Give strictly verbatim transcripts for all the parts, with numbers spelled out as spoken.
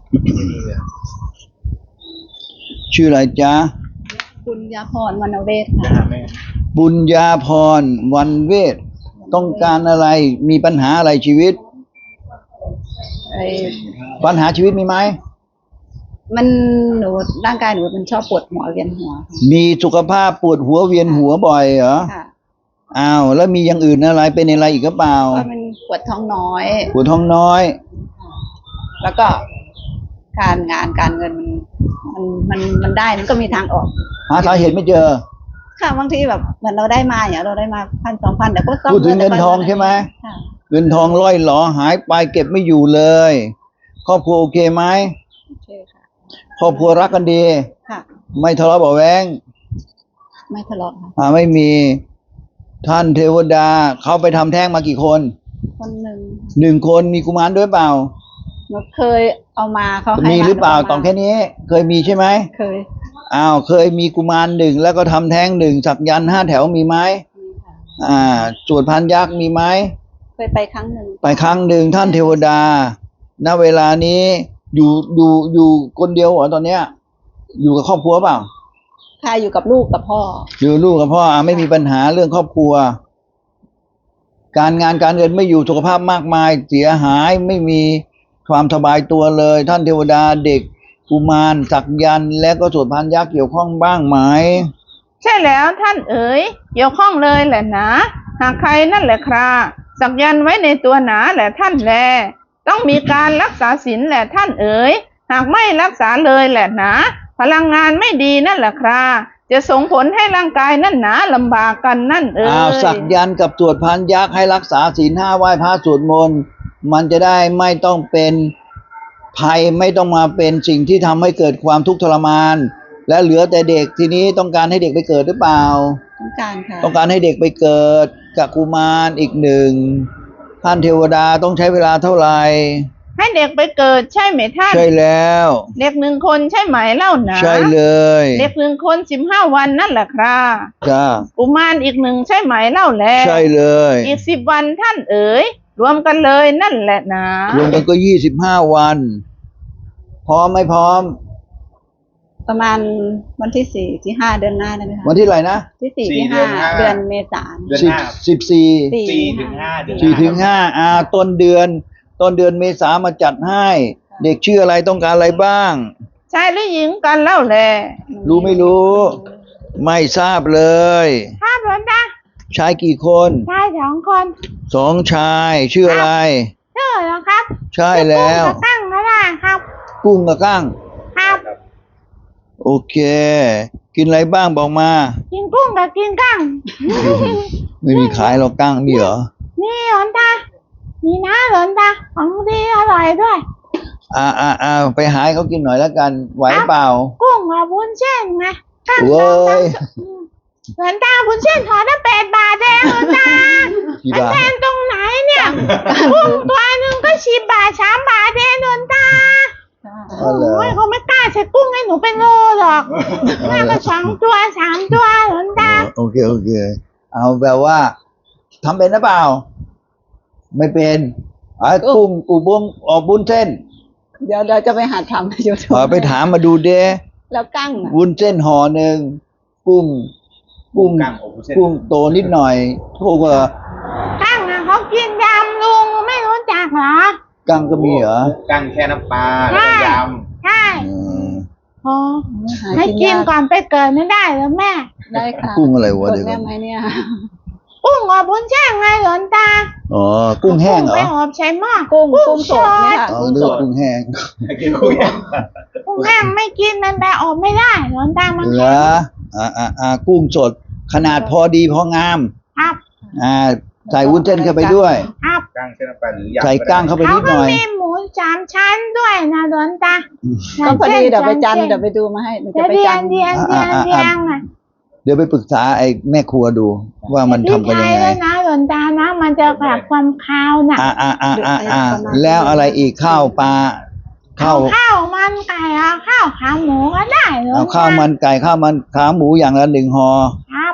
ชื่ออะไรจ๊ะบุญญาพรวรรณเวชค่ะบุญญาพรวันเวทต้องการอะไรมีปัญหาอะไรชีวิตไอ้ปัญหาชีวิตมีไหมมันหนูร่างกายหนูมันชอบปวดหัวเวียนหัวมีสุขภาพปวดหัวเวียนหัวบ่อยเหรอค่ะอ้าวแล้วมีอย่างอื่นอะไรเป็นอะไรอีกหรือเปล่าก็มันปวดท้องน้อยปวดท้องน้อยแล้วก็การงานการเงินมันมันมันมันได้มันก็มีทางออกหาสาเหตุไม่เจอค่ะบางทีแบบเหมือนเราได้มาอย่างเราได้มาพันสองพันแต่ก็ต้องพูดถึงเงินทองใช่ไหมเงินทองล่อยหลอหายไปเก็บไม่อยู่เลยครอบครัวโอเคไหมโอเคค่ะครอบครัวรักกันดีค่ะไม่ทะเลาะเบาะแว้งไม่ทะเลาะค่ะอ่าไม่มีท่านเทวดาเขาไปทำแท้งมากี่คนคนหนึ่งหนึ่งคนมีกุมารด้วยเปล่าหนูเคยเอามาเขาให้มีหรือเปล่าตองแค่นี้เคยมีใช่ไหมเคยอ้าวเคยมีกุมารหนึ่งแล้วก็ทำแท้งหนึ่งสักยันห้าแถวมีไหมอ่าสวดพันยักษ์มีไหมเคยไปครั้งหนึ่งไปครั้งหนึ่งท่านเทวดาณเวลานี้อยู่อยู่อยู่คนเดียวเหรอตอนเนี้ยอยู่กับครอบครัวเปล่าค่ะอยู่กับลูกกับพ่ออยู่ลูกกับพ่ออ่าไม่มีปัญหาเรื่องครอบครัวการงานการเงินไม่อยู่สุขภาพมากมายเสียหายไม่มีความสบายตัวเลยท่านเทวดาเด็กกุมารสักยันและก็สวดพันยักษ์เกี่ยวข้องบ้างไหมใช่แล้วท่านเอ๋ยเกี่ยวข้องเลยแหละนะหากใครนั่นแหละคราสักยันไว้ในตัวหนาแหละท่านแลต้องมีการรักษาศีลแหละท่านเอ๋ยหากไม่รักษาเลยแหละนะพลังงานไม่ดีนั่นแหละคราจะส่งผลให้ร่างกายนั่นหนาลำบากกันนั่นเอ๋ยอ้าวสักยันกับสวดพันยักษ์ให้รักษาศีลห้าไหว้พระสวดมนต์มันจะได้ไม่ต้องเป็นภัยไม่ต้องมาเป็นสิ่งที่ทำให้เกิดความทุกข์ทรมานและเหลือแต่เด็กทีนี้ต้องการให้เด็กไปเกิดหรือเปล่าต้องการค่ะต้องการให้เด็กไปเกิดกับกุมารอีกหนึ่งท่านเทวดาต้องใช้เวลาเท่าไหร่ให้เด็กไปเกิดใช่ไหมท่านใช่แล้วเด็กหนึ่งคนใช่ไหมเล่านะใช่เลยเด็กหนึ่งคนสิบห้าวันนั่นแหละครับจ้ากุมารอีกหนึ่งใช่ไหมเล่าแล้วใช่เลยอีกสิบวันท่านเอ๋ยรวมกันเลยนั่นแหละนะรวมกันก็ยี่สิบห้าวันพร้อมไม่พร้อมประมาณวันที่สี่ที่ห้าเดือนหน้าได้ไหมคะวันที่ไรนะที่สี่ที่ห้าเดือนเมษายนสิบสิบสี่สี่ถึงห้าเดือนสี่ถึงห้าอ่าต้นเดือนต้นเดือนเมษามาจัดให้เด็กชื่ออะไรต้องการอะไรบ้างชายหรือหญิงกันเล่าแลรู้ไม่รู้ไม่ทราบเลยทราบหรือจ๊ะชายกี่คนชายสองคนสองชายชื่ออะไรชื่ออะไรครับใช่แล้วกุ้งกับกั้งก็ได้ครับกุ้งกับกั้งครับโอเคกินอะไรบ้างบอกมากินกุ้งกับกินกั้งไม่มีขายหรอกกั้งมีเหรอมีหลวงตามีนะหลวงตาของดีอร่อยด้วยอ่าอ่าอ่าไปหาเขากินหน่อยแล้วกันไหวเปล่ากุ้งกับวุ้นเส้นไงกั้งเว้ยหลวงตาวุ้นเส้นถอดได้แปดบาทเองหลวงตาอันแทนตรงไหนเนี่ยกุ้งตัวหนึ่งก็สิบบาทสามบาทเองหลวงตาโอ้ยเขาไม่กล้าใช้กุ้งให้หนูเป็นโลหรอกแม่ก็สองตัวสามตัวหลวงตาโอเคโอเคเอาแปลว่าทำเป็นหรือเปล่าไม่เป็นไอ้กุ้งกูบุ้งออกบุ้นเส้นเดี๋ยวเดี๋ยวจะไปหาทำให้ดูไปถามมาดูเด้แล้วกั้งวุ้นเส้นห่อหนึ่งกุ้งกุ้งกุ้งโตนิดหน่อยถูกเหรอกั้งอ่ะเขากินยำลุงไม่รู้จักเหรอกั้งก็มีเหรอกั้งแค่น้ำปลาแล้วก็ยำใช่อ๋อให้กินก่อนไปเกิดไม่ได้หรือแม่ได้ค่ะกุ้งอะไรวะเดี๋ยวแม่ไหมเนี่ยกุ้งอบวุ้นเส้นไงหลวงตาอ๋อกุ้งแห้งเหรอไปอบใช้หม้อกุ้งกุ้งสดเนี่ยอ๋อเลือกกุ้งแห้งกินกุ้งแห้งกุ้งแห้งไม่กินมันไปอบไม่ได้หลวงตามันเหรออ่าอ่าอ่ากุ้งสดขนาดพอดีพองามครับอ่าใส่วุ้นเส้นเข้าไปด้วยครับกั้งเส้นน้ำปลาหรือยำใส่กั้งเข้าไปนิดหน่อยเขาก็มีหมูสามชั้นด้วยนะหลวงตาก็พอดีเดี๋ยวไปจันเดี๋ยวไปดูมาให้เดี๋ยวไปจันเดียนเดียนเดียนอ่ะเดี๋ยวไปปรึกษาไอ้แม่ครัวดูว่ามันทำกันยังไงนะหลวงตานะมันจะแบบความคาวน่ะอ่าอ่าอ่าอ่าอ่าแล้วอะไรอีกข้าวปลาข้าวข้าวมันไก่เอาข้าวขาหมูก็ได้หลวงตาเอาข้าวมันไก่ข้าวมันขาหมูอย่างละหนึ่งห่อครับ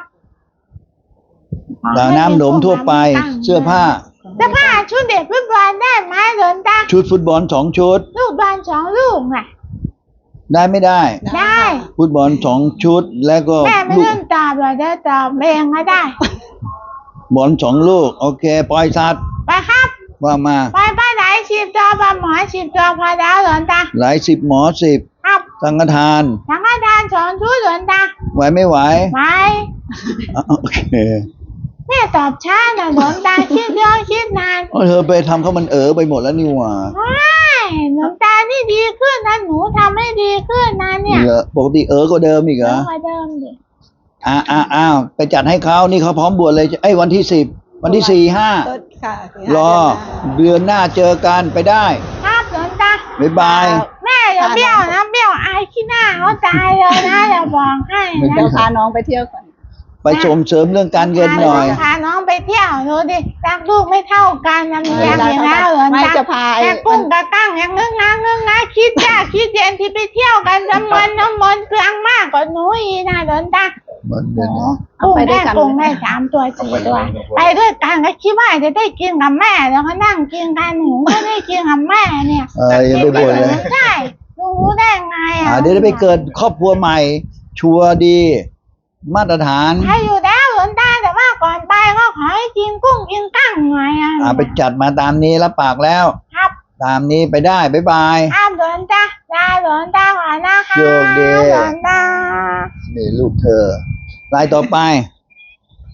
แล้วน้ำหนมทั่วไปเสื้อผ้าเสื้อผ้าชุดเด็กฟุตบอลได้ไหมหลวงตาชุดฟุตบอลสองชุดลูกบอลสองลูกน่ะได้ไม่ได้ได้ฟุตบอลสองชุดแล้วก็แม่ไม่ลูกเล่นตอบเลยเดี๋ยวตอบเองก็ได้บอลสองลูก โอเค ปล่อยสัตว์ไปครับว่ามาไปไปไหนสิบตัวปลาหมอสิบตัวพอแล้วหลอนตาหลายสิบหมอสิบครับสังฆทานสังฆทานสองชุดหลอนตาไหวไม่ไหวไปอ่ะโอเคแม่ตอบช้าหน่อยหลอนตาคิดเยอะคิดนานเอาเธอไปทำเขามันเออไปหมดแล้วนี่หว่าไม่หลอนตานี่ดีขึ้นนะหนูทำให้ดีขึ้นนะเนี่ยเหรอปกติเออก็เดิมอีกเหรเยออะกว่าเดิมดิอ่าอ่าอ้าวไปจัดให้เขานี่เขาพร้อมบวชเลยไอ้ยวันที่สิบวันที่สี่ห้าต้นค่ะสี่รห้าอเดือนหน้าเดือนหน้าเจอกันไปได้ครับหลอนตาบ๊ายบายแม่อย่าเบี้ยวนะเบี้ยวอายขี้หน้าเขาตายเลยนะอย่าบอกให้ไม่นะได้เดี๋ยวพาน้องไปเที่ยวก่อนไปส่งเสริมเรื่องการเงินหน่อยพาน้องไปเที่ยวดูดิรักลูกไม่เท่ากันนะมีอย่างอย่างนั้นเหรอไม่จ๊ะจะพาไอ้แม่กุ้งกระตั้งอย่างงึ้งงางงึ้งงาคิดจ้าคิดเย็นที่ไปเที่ยวกันจำนวนน้ำมนต์เกลืองมากกว่าหนูอีนะโดนตามันเดือนหน้าเอากุ้งไปด้วได้ยกันกุ้งได้สามตัวสี่ตัว ไปด้วยกันก็คิดว่าจะได้กินกับแม่แล้วก็นั่งกินกันหนูก็ได้กินกับแม่เนี่ยเอออย่าไปบ่นเลยใช่รู้ได้ไงอ่ะอ่าเดี๋ยวได้ไปเกิดครอบครัวใหม่ ชัวร์ดี มาตรฐานใครอยู่แล้วหลวงตาแต่ว่าก่อนไปก็ขอให้กินกุ้งกินกั้งหน่อยอ่ะอ่าไปจัดมาตามนี้รับปากแล้วครับตามนี้ไปได้บ๊ายบายครับหลวงตาลาหลวงตาก่อนนะคะโชคดีหลวงตานี่ลูกเธอรายต่อไป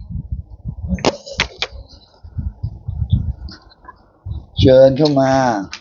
เชิญเข้ามา